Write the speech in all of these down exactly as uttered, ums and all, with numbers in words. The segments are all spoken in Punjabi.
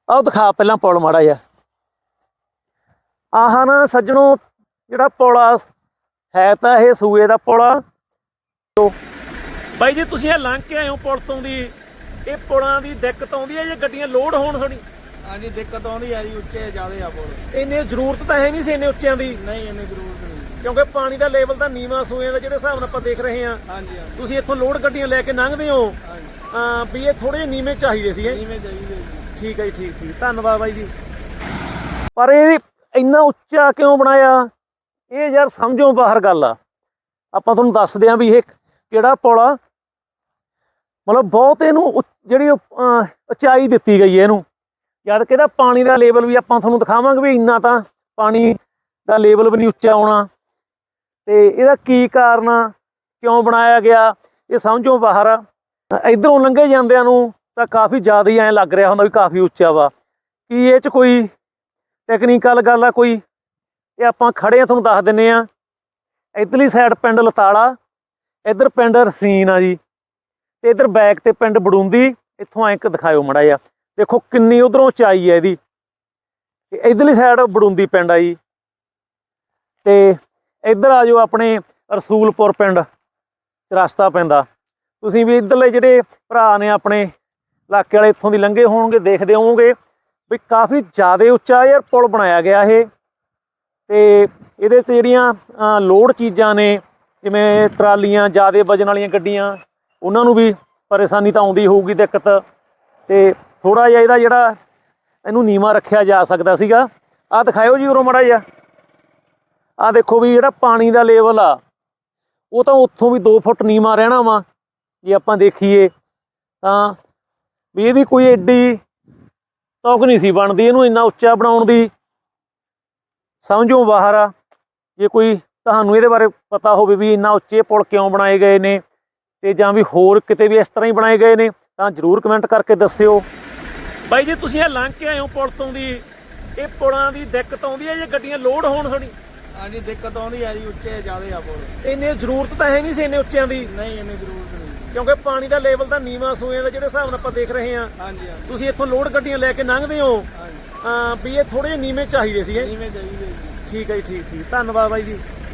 आओ दिखा पहला पुल माड़ा जिहा। आह ना सज्जणों जिहड़ा पुल आ है तां इह सूए दा पुल आ। तो बाई जी तुसीं लंघ के आए हो पुल तो दी, ਇਹ ਪੁਲਾਂ ਦੀ ਦਿੱਕਤ ਆਉਂਦੀ ਹੈ ਜੇ ਗੱਡੀਆਂ ਲੋਡ ਹੋਣ ਥੋੜੀ? ਹਾਂਜੀ ਦਿੱਕਤ ਆਉਂਦੀ ਹੈ ਜੀ, ਉੱਚੇ ਜ਼ਿਆਦੇ ਆ ਪੁਲ। ਇੰਨੇ ਜ਼ਰੂਰਤ ਤਾਂ ਹੈ ਨਹੀਂ ਸੀ ਇੰਨੇ ਉੱਚਿਆਂ ਦੀ। ਨਹੀਂ ਇੰਨੀ ਜ਼ਰੂਰਤ ਨਹੀਂ, ਕਿਉਂਕਿ ਪਾਣੀ ਦਾ ਲੈਵਲ ਤਾਂ ਨੀਵਾਂ ਸੂਏ ਦਾ ਜਿਹੜੇ ਹਿਸਾਬ ਨਾਲ ਆਪਾਂ ਦੇਖ ਰਹੇ ਹਾਂ। ਹਾਂਜੀ ਹਾਂਜੀ ਤੁਸੀਂ ਇੱਥੋਂ ਲੋਡ ਗੱਡੀਆਂ ਲੈ ਕੇ ਲੰਘਦੇ ਹੋ ਹਾਂ ਵੀ ਇਹ ਥੋੜੇ ਜਿਹੇ ਨੀਵੇਂ ਚਾਹੀਦੇ ਸੀਗੇ। ਨੀਵੇਂ ਚਾਹੀਦੇ ਜੀ। ਠੀਕ ਹੈ ਜੀ, ਠੀਕ ਠੀਕ ਧੰਨਵਾਦ ਬਾਈ ਜੀ। ਪਰ ਇਹ ਇੰਨਾ ਉੱਚਾ ਕਿਉਂ ਬਣਾਇਆ ਇਹ ਯਾਰ ਸਮਝੋ ਬਾਹਰ ਗੱਲ ਆ। ਆਪਾਂ ਤੁਹਾਨੂੰ ਦੱਸਦੇ ਹਾਂ ਵੀ ਇਹ ਕਿਹੜਾ ਪੁਲ ਆ। ਮਤਲਬ ਬਹੁਤ ਇਹਨੂੰ ਜਿਹੜੀ ਉਚਾਈ ਦਿੱਤੀ ਗਈ ਹੈ ਇਹਨੂੰ, ਜਦ ਕਿ ਇਹਦਾ ਪਾਣੀ ਦਾ ਲੈਵਲ ਵੀ ਆਪਾਂ ਤੁਹਾਨੂੰ ਦਿਖਾਵਾਂਗੇ ਵੀ ਇੰਨਾ ਤਾਂ ਪਾਣੀ ਦਾ ਲੈਵਲ ਵੀ ਨਹੀਂ ਉੱਚਾ ਆਉਣਾ। ਤੇ ਇਹਦਾ ਕੀ ਕਾਰਨ ਆ, ਕਿਉਂ ਬਣਾਇਆ ਗਿਆ, ਇਹ ਸਮਝੋ ਬਾਹਰ ਆ। ਇੱਧਰੋਂ ਲੰਘੇ ਜਾਂਦਿਆਂ ਨੂੰ ਤਾਂ ਕਾਫੀ ਜ਼ਿਆਦਾ ਹੀ ਐਂ ਲੱਗ ਰਿਹਾ ਹੁੰਦਾ ਵੀ ਕਾਫੀ ਉੱਚਾ ਵਾ। ਕੀ ਇਹ 'ਚ ਕੋਈ ਟੈਕਨੀਕਲ ਗੱਲ ਆ ਕੋਈ? ਇਹ ਆਪਾਂ ਖੜੇ ਆ ਤੁਹਾਨੂੰ ਦੱਸ ਦਿੰਦੇ ਹਾਂ। ਇੱਧਰਲੀ ਸਾਈਡ ਪਿੰਡ ਲਤਾਲਾ, ਇੱਧਰ ਪਿੰਡ ਰਸੀਨ ਆ ਜੀ, ਤੇ ਇੱਧਰ ਬੈਕ ਤੇ ਪਿੰਡ ਬੜੂੰਦੀ। ਇੱਥੋਂ ਐਂ ਦਿਖਾਇਓ ਮਾੜਾ ਜਿਹਾ, ਦੇਖੋ ਕਿੰਨੀ ਉਧਰੋਂ ਉਚਾਈ ਹੈ ਇਹਦੀ। ਇੱਧਰਲੀ ਸਾਈਡ ਬੜੂੰਦੀ ਪਿੰਡ ਆ ਜੀ, ਤੇ ਇੱਧਰ ਆ ਜਾਓ ਆਪਣੇ ਰਸੂਲਪੁਰ ਪਿੰਡ ਰਸਤਾ ਪੈਂਦਾ। ਤੁਸੀਂ ਵੀ ਇੱਧਰਲੇ ਜਿਹੜੇ ਭਰਾ ਨੇ ਆਪਣੇ ਇਲਾਕੇ ਵਾਲੇ ਇੱਥੋਂ ਦੀ ਲੰਘੇ ਹੋਣਗੇ, ਦੇਖਦੇ ਹੋਵੋਗੇ ਵੀ ਕਾਫੀ ਜ਼ਿਆਦਾ ਉੱਚਾ ਯਾਰ ਪੁਲ ਬਣਾਇਆ ਗਿਆ ਇਹ। ਤੇ ਇਹਦੇ 'ਚ ਜਿਹੜੀਆਂ ਲੋਡ ਚੀਜ਼ਾਂ ਨੇ ਜਿਵੇਂ ਟਰਾਲੀਆਂ, ਜ਼ਿਆਦਾ ਵਜਨ ਵਾਲੀਆਂ ਗੱਡੀਆਂ, ਉਹਨਾਂ ਨੂੰ ਵੀ ਪਰੇਸ਼ਾਨੀ ਤਾਂ ਆਉਂਦੀ ਹੋਊਗੀ, ਦਿੱਕਤ। ਤੇ ਥੋੜ੍ਹਾ ਜਿਹਾ ਇਹਦਾ ਜਿਹੜਾ ਇਹਨੂੰ ਨੀਵਾਂ ਰੱਖਿਆ ਜਾ ਸਕਦਾ ਸੀਗਾ। ਆਹ ਦਿਖਾਇਓ ਜੀ ਉਰੋਂ ਮਾੜਾ ਜਿਹਾ। ਆਹ ਦੇਖੋ ਵੀ ਜਿਹੜਾ ਪਾਣੀ ਦਾ ਲੈਵਲ ਆ ਉਹ ਤਾਂ ਉੱਥੋਂ ਵੀ ਦੋ ਫੁੱਟ ਨੀਵਾਂ ਰਹਿਣਾ ਵਾ ਜੇ ਆਪਾਂ ਦੇਖੀਏ ਤਾਂ। ਵੀ ਇਹਦੀ ਕੋਈ ਐਡੀ ਤੌਕ ਨਹੀਂ ਸੀ ਬਣਦੀ ਇਹਨੂੰ ਇੰਨਾ ਉੱਚਾ ਬਣਾਉਣ ਦੀ, ਸਮਝੋ ਬਾਹਰ ਆ। ਜੇ ਕੋਈ ਤੁਹਾਨੂੰ ਇਹਦੇ ਬਾਰੇ ਪਤਾ ਹੋਵੇ ਵੀ ਇੰਨਾ ਉੱਚੇ ਪੁਲ ਕਿਉਂ ਬਣਾਏ ਗਏ ਨੇ, ਤੇ ਜਾਂ ਵੀ ਹੋਰ ਕਿਤੇ ਵੀ ਇਸ ਤਰ੍ਹਾਂ ਹੀ ਬਣਾਏ ਗਏ ਨੇ, ਤਾਂ ਜ਼ਰੂਰ ਕਮੈਂਟ ਕਰਕੇ ਦੱਸਿਓ। ਬਾਈ ਜੀ ਤੁਸੀਂ ਇਹ ਲੰਘ ਕੇ ਆਏ ਹੋ ਪੁਲ ਤੋਂ ਦੀ, ਇਹ ਪੁਲਾਂ ਦੀ ਦਿੱਕਤ ਆਉਂਦੀ ਹੈ ਜੇ ਗੱਡੀਆਂ ਲੋਡ ਹੋਣ ਥੋੜੀ? ਹਾਂਜੀ ਦਿੱਕਤ ਆਉਂਦੀ ਹੈ ਜੀ, ਉੱਚੇ ਜ਼ਿਆਦੇ ਆ ਪੁਲ। ਇੰਨੇ ਜ਼ਰੂਰਤ ਤਾਂ ਹੈ ਨਹੀਂ ਸੀ ਇੰਨੇ ਉੱਚਿਆਂ ਦੀ। ਨਹੀਂ ਇੰਨੀ ਜ਼ਰੂਰਤ ਨਹੀਂ, ਕਿਉਂਕਿ ਪਾਣੀ ਦਾ ਲੈਵਲ ਤਾਂ ਨੀਵਾਂ ਸੂਏ ਦਾ ਜਿਹੜੇ ਹਿਸਾਬ ਨਾਲ ਆਪਾਂ ਦੇਖ ਰਹੇ ਹਾਂ। ਹਾਂਜੀ ਹਾਂਜੀ ਤੁਸੀਂ ਇੱਥੋਂ ਲੋਡ ਗੱਡੀਆਂ ਲੈ ਕੇ ਲੰਘਦੇ ਹੋ ਹਾਂ ਵੀ ਇਹ ਥੋੜੇ ਜਿਹੇ ਨੀਵੇਂ ਚਾਹੀਦੇ ਸੀਗੇ। ਨੀਵੇਂ ਚਾਹੀਦੇ ਜੀ। ਠੀਕ ਹੈ ਜੀ, ਠੀਕ ਠੀਕ ਧੰਨਵਾਦ ਬਾਈ ਜੀ।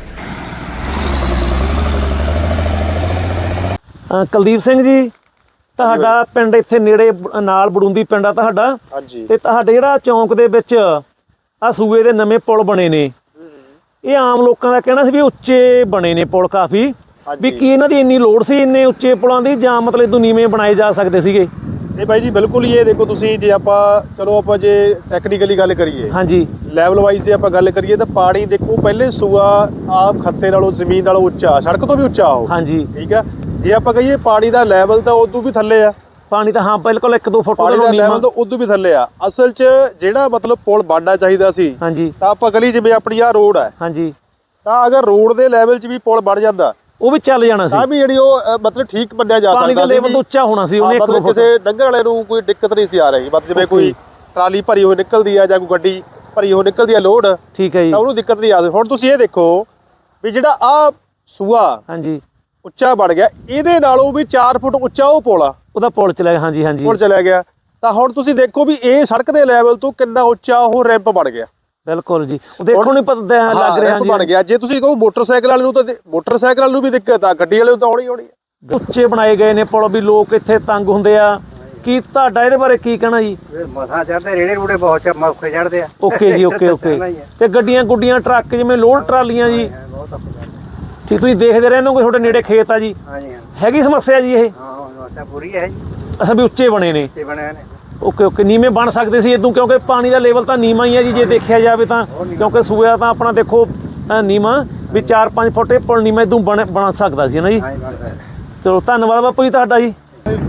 ਕੁਲਦੀਪ ਸਿੰਘ ਜੀ ਤੁਹਾਡਾ ਪਿੰਡ ਇੱਥੇ ਨੇੜੇ ਨਾਲ ਬੜੂੰਦੀ ਪਿੰਡ ਆ ਤੁਹਾਡਾ। ਹਾਂਜੀ। ਤੇ ਤੁਹਾਡੇ ਜਿਹੜਾ ਚੌਂਕ ਦੇ ਵਿੱਚ ਆ ਸੂਏ ਦੇ ਨਵੇਂ ਪੁਲ ਬਣੇ ਨੇ, ਇਹ ਆਮ ਲੋਕਾਂ ਦਾ ਕਹਿਣਾ ਸੀ ਵੀ ਉੱਚੇ ਬਣੇ ਨੇ ਪੁਲ ਕਾਫੀ, ਵੀ ਕੀ ਇਹਨਾਂ ਦੀ ਇੰਨੀ ਲੋੜ ਸੀ ਇੰਨੇ ਉੱਚੇ ਪੁਲਾਂ ਦੀ, ਜਾਂ ਮਤਲਬ ਇਦੋਂ ਨੀਵੇਂ ਬਣਾਏ ਜਾ ਸਕਦੇ ਸੀਗੇ? ਨਹੀਂ ਬਾਈ ਜੀ ਬਿਲਕੁਲ ਹੀ। ਇਹ ਦੇਖੋ ਤੁਸੀਂ, ਜੇ ਆਪਾਂ ਚਲੋ ਆਪਾਂ ਜੇ ਟੈਕਨੀਕਲੀ ਗੱਲ ਕਰੀਏ, ਹਾਂਜੀ ਲੈਵਲ ਵਾਈਜ਼ ਜੇ ਆਪਾਂ ਗੱਲ ਕਰੀਏ ਤਾਂ ਪਾਣੀ ਦੇਖੋ ਪਹਿਲੇ ਸੂਆ ਆਪ ਖੱਤੇ ਨਾਲੋਂ ਜ਼ਮੀਨ ਨਾਲੋਂ ਉੱਚਾ, ਸੜਕ ਤੋਂ ਵੀ ਉੱਚਾ ਉਹ। ਹਾਂਜੀ ਠੀਕ ਆ। ਜੇ ਆਪਾਂ ਕਹੀਏ ਪਾਣੀ ਦਾ ਲੈਵਲ ਤਾਂ ਉਦੋਂ ਵੀ ਥੱਲੇ ਆ। ਪਾਣੀ ਤਾਂ ਹਾਂ ਬਿਲਕੁਲ ਇੱਕ ਦੋ ਫੁੱਟ ਪਾਣੀ ਦਾ ਲੈਵਲ ਤਾਂ ਉਦੋਂ ਵੀ ਥੱਲੇ ਆ। ਅਸਲ 'ਚ ਜਿਹੜਾ ਮਤਲਬ ਪੁਲ ਬਣਨਾ ਚਾਹੀਦਾ ਸੀ, ਹਾਂਜੀ, ਤਾਂ ਆਪਾਂ ਗਲੀ ਜਿਵੇਂ ਆਪਣੀ ਆ ਰੋਡ ਹੈ, ਹਾਂਜੀ, ਤਾਂ ਅਗਰ ਰੋਡ ਦੇ ਲੈਵਲ 'ਚ ਵੀ ਪੁਲ ਬਣ ਜਾਂਦਾ ਉਹ ਵੀ ਚੱਲ ਜਾਣਾ ਸੀ। ਤਾਂ ਵੀ ਜਿਹੜੀ ਉਹ ਮਤਲਬ ਠੀਕ ਮੰਨਿਆ ਜਾ ਸਕਦਾ ਸੀ। ਪਾਣੀ ਦਾ ਲੈਵਲ ਤਾਂ ਉੱਚਾ ਹੋਣਾ ਸੀ ਉਹਨੇ। ਮਤਲਬ ਕਿਸੇ ਡੰਗਰ ਵਾਲੇ ਨੂੰ ਕੋਈ ਦਿੱਕਤ ਨਹੀਂ ਸੀ ਆ ਰਹੀ। ਮਤਲਬ ਜਿਵੇਂ ਕੋਈ ਟਰਾਲੀ ਭਰੀ ਹੋਈ ਨਿਕਲਦੀ ਆ ਜਾਂ ਕੋਈ ਗੱਡੀ ਭਰੀ ਹੋਈ ਨਿਕਲਦੀ ਆ ਲੋਡ, ਠੀਕ ਹੈ ਜੀ, ਤਾਂ ਉਹਨੂੰ ਦਿੱਕਤ ਨਹੀਂ ਆ ਰਹੀ। ਹੁਣ ਤੁਸੀਂ ਇਹ ਦੇਖੋ ਵੀ ਜਿਹੜਾ ਆ ਸੂਆ ਹਾਂਜੀ ਉੱਚਾ ਬਣ ਗਿਆ, ਇਹਦੇ ਨਾਲੋਂ ਵੀ ਚਾਰ ਫੁੱਟ ਉੱਚਾ ਉਹ ਪੁਲ ਆ, ਉਹਦਾ ਪੁਲ ਚਲਾ ਗਿਆ। ਹਾਂਜੀ ਹਾਂਜੀ ਪੁਲ ਚਲਾ ਗਿਆ। ਤਾਂ ਹੁਣ ਤੁਸੀਂ ਦੇਖੋ ਵੀ ਇਹ ਸੜਕ ਦੇ ਲੈਵਲ ਤੋਂ ਕਿੰਨਾ ਉੱਚਾ ਉਹ ਰੈਂਪ ਬਣ ਗਿਆ। ਬਿਲਕੁਲ ਜੀ, ਉਹ ਦੇਖੋ ਨਹੀਂ ਪਤਾ ਲੱਗ ਰਿਹਾ ਬਣ ਗਿਆ। ਜੇ ਤੁਸੀਂ ਕਹੋ ਮੋਟਰਸਾਈਕਲ ਵਾਲੇ ਨੂੰ ਤਾਂ ਮੋਟਰਸਾਈਕਲ ਵਾਲੇ ਨੂੰ ਵੀ ਦਿੱਕਤ ਆ, ਗੱਡੀ ਵਾਲੇ ਨੂੰ ਤਾਂ ਆਉਣੀ ਆਉਣੀ ਆ। ਉੱਚੇ ਬਣਾਏ ਗਏ ਨੇ ਪੁਲ ਵੀ ਲੋਕ ਇੱਥੇ ਤੰਗ ਹੁੰਦੇ ਆ। ਕੀ ਤੁਹਾਡਾ ਇਹਦੇ ਬਾਰੇ ਕੀ ਕਹਿਣਾ ਜੀ? ਮਸਾਂ ਚੜਦੇ, ਰੇੜੇ ਰੂੜੇ ਬਹੁਤ ਮੌਕੇ ਚੜਦੇ ਆ। ਓਕੇ ਜੀ, ਓਕੇ ਓਕੇ। ਤੇ ਗੱਡੀਆਂ ਗੁੱਡੀਆਂ ਟਰੱਕ ਜਿਵੇਂ ਲੋਡ ਟਰਾਲੀਆਂ ਜੀ, ਠੀਕ ਤੁਸੀਂ ਦੇਖਦੇ ਰਹਿੰਦੇ ਹੋ, ਤੁਹਾਡੇ ਨੇੜੇ ਖੇਤ ਆ ਜੀ, ਹੈਗੀ ਸਮੱਸਿਆ ਜੀ ਇਹ? ਹਾਂ ਸਮੱਸਿਆ ਪੂਰੀ ਹੈ ਜੀ। ਅੱਛਾ ਵੀ ਉੱਚੇ ਬਣੇ ਨੇ। ਉੱਚੇ ਬਣੇ ਨੇ। Okay okay. ਨੀਵੇਂ ਬਣ ਸਕਦੇ ਸੀ ਇਦੋਂ, ਕਿਉਂਕਿ ਪਾਣੀ ਦਾ ਲੈਵਲ ਤਾਂ ਨੀਵਾਂ ਹੀ ਹੈ ਜੀ ਜੇ ਦੇਖਿਆ ਜਾਵੇ ਤਾਂ, ਕਿਉਂਕਿ ਸੂਆ ਤਾਂ ਆਪਣਾ ਦੇਖੋ ਨੀਵਾਂ ਵੀ ਚਾਰ ਪੰਜ ਫੁੱਟ ਇਹ ਪੁਲ ਨੀਵਾਂ ਇਦੋਂ ਬਣ ਬਣ ਸਕਦਾ ਸੀ ਨਾ ਜੀ। ਚਲੋ ਧੰਨਵਾਦ ਬਾਪੂ ਜੀ ਤੁਹਾਡਾ ਜੀ।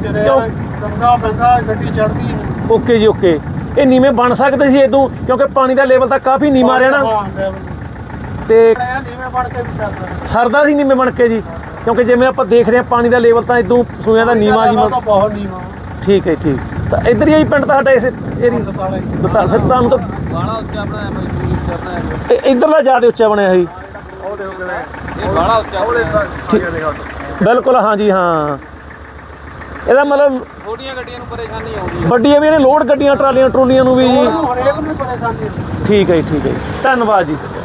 ਓਕੇ ਜੀ ਓਕੇ। ਇਹ ਨੀਵੇਂ ਬਣ ਸਕਦੇ ਸੀ ਇਦੋਂ, ਕਿਉਂਕਿ ਪਾਣੀ ਦਾ ਲੈਵਲ ਤਾਂ ਕਾਫੀ ਨੀਵਾਂ ਰਹਿਣਾ ਤੇ ਸਰਦਾ ਸੀ ਨੀਵੇਂ ਬਣ ਕੇ ਜੀ, ਕਿਉਂਕਿ ਜਿਵੇਂ ਆਪਾਂ ਦੇਖਦੇ ਹਾਂ ਪਾਣੀ ਦਾ ਲੈਵਲ ਤਾਂ ਇਦੋਂ ਸੂਇਆਂ ਦਾ ਨੀਵਾਂ ਜੀ। ਠੀਕ ਹੈ ਠੀਕ। ਤਾਂ ਇੱਧਰ ਹੀ ਪਿੰਡ ਤੁਹਾਡਾ ਇਸ ਏਰੀਆ ਬਤਾ ਫਿਰ ਤੁਹਾਨੂੰ ਤਾਂ ਬਾਲਾ ਉੱਚਾ ਬਣਾਇਆ ਮਜ਼ਦੂਰੀ ਕਰਨਾ ਹੈ। ਇੱਧਰਲਾ ਜ਼ਿਆਦਾ ਉੱਚਾ ਬਣਿਆ ਸੀ। ਉਹ ਦੇਖੋ ਕਿਵੇਂ ਇਹ ਬਾਲਾ ਉੱਚਾ। ਬਿਲਕੁਲ ਹਾਂਜੀ ਹਾਂ। ਇਹਦਾ ਮਤਲਬ ਛੋਟੀਆਂ ਗੱਡੀਆਂ ਨੂੰ ਪਰੇਸ਼ਾਨੀ ਆਉਂਦੀ ਹੈ। ਵੱਡੀਆਂ ਵੀ ਇਹਨੇ ਲੋਡ ਗੱਡੀਆਂ ਟਰਾਲੀਆਂ ਟਰੂਲੀਆਂ ਨੂੰ ਵੀ ਜੀ ਹਰੇਕ ਨੂੰ ਪਰੇਸ਼ਾਨੀ ਠੀਕ ਹੈ ਜੀ ਠੀਕ ਹੈ ਜੀ ਧੰਨਵਾਦ ਜੀ